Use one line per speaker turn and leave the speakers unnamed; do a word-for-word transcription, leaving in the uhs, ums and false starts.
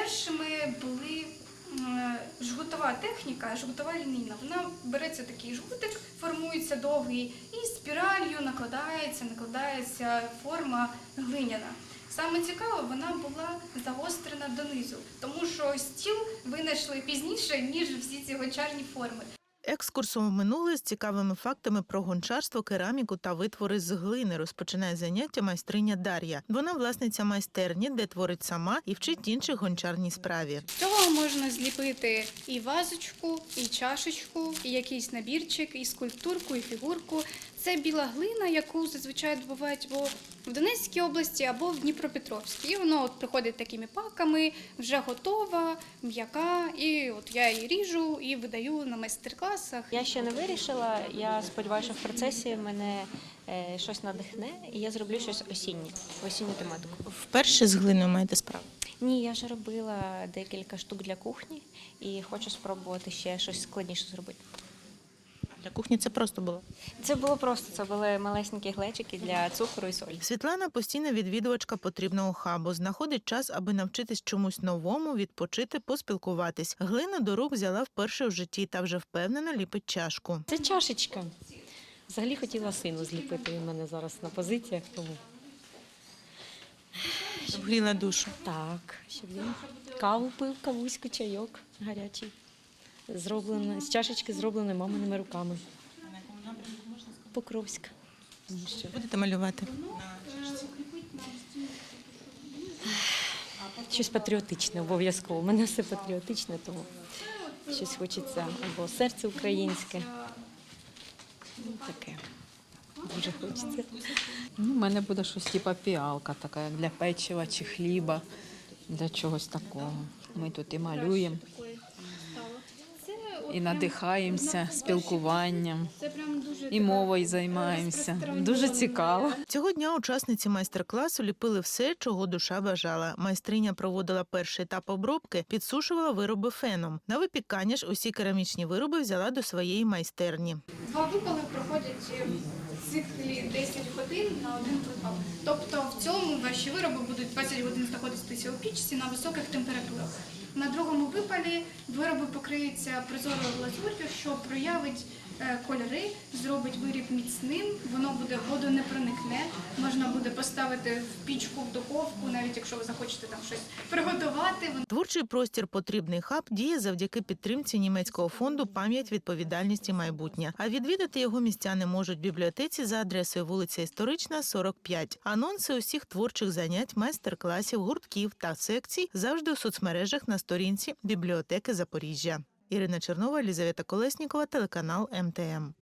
Першими були е, жгутова техніка, жгутова лінійна. Вона береться такий жгутик, формується довгий, і спіралью накладається, накладається форма глиняна. Саме цікаво, вона була загострена донизу, тому що стіл винайшли пізніше, ніж всі ці гончарні форми.
Екскурсом в минуле з цікавими фактами про гончарство, кераміку та витвори з глини розпочинає заняття майстриня Дар'я. Вона власниця майстерні, де творить сама і вчить інших гончарній справі.
З цього можна зліпити і вазочку, і чашечку, і якийсь набірчик, і скульптурку, і фігурку. Це біла глина, яку зазвичай добувають або в Донецькій області, або в Дніпропетровській. І воно от приходить такими паками, вже готова, м'яка, і от я її ріжу і видаю на майстер-класах.
Я ще не вирішила, я сподіваюся, що в процесі мене е, щось надихне, і я зроблю щось осіннє, осінню тематику.
Вперше з глиною маєте справу?
Ні, я вже робила декілька штук для кухні і хочу спробувати ще щось складніше зробити.
Для кухні це просто було?
Це було просто, це були малесенькі глечики для цукру і солі.
Світлана – постійна відвідувачка потрібного хабу. Знаходить час, аби навчитись чомусь новому, відпочити, поспілкуватись. Глину до рук взяла вперше в житті та вже впевнено ліпить чашку.
Це чашечка. Взагалі хотіла сину зліпити, він в мене зараз на позиціях, тому
Вгріла душу.
так, щоб він каву пив, кавуську, чайок гарячий. Зроблено, з чашечки зробленої маминими руками. Покровська.
Будете малювати?
Щось патріотичне обов'язково. У мене все патріотичне, тому щось хочеться або серце українське. Ну, таке. Дуже хочеться.
Ну, у мене буде щось типу піалка, така як для печива чи хліба, для чогось такого. Ми тут і малюємо, і надихаємося спілкуванням, і мовою займаємося. Дуже цікаво.
Цього дня учасниці майстер-класу ліпили все, чого душа бажала. Майстриня проводила перший етап обробки, підсушувала вироби феном. На випікання ж усі керамічні вироби взяла до своєї майстерні.
Два випали проходять в циклі десять годин на один випал. Тобто в цьому ваші вироби будуть двадцять годин знаходитися у пічці на високих температурах. На другому випалі вироби покриються прозорою глазур'ю, що проявить е, кольори, зробить виріб міцним, воно буде водонепроникне, можна буде поставити в пічку, в духовку, навіть якщо ви захочете там щось приготувати.
Творчий простір «Потрібний хаб» діє завдяки підтримці німецького фонду «Пам'ять, відповідальність і майбутнє». А відвідати його містяни можуть в бібліотеці за адресою вулиця Історична, сорок п'ять. Анонси усіх творчих занять, майстер-класів, гуртків та секцій завжди у соцмережах на сторінці бібліотеки Запоріжжя. Ірина Чернова, Елізавета Колеснікова, телеканал ем те ем.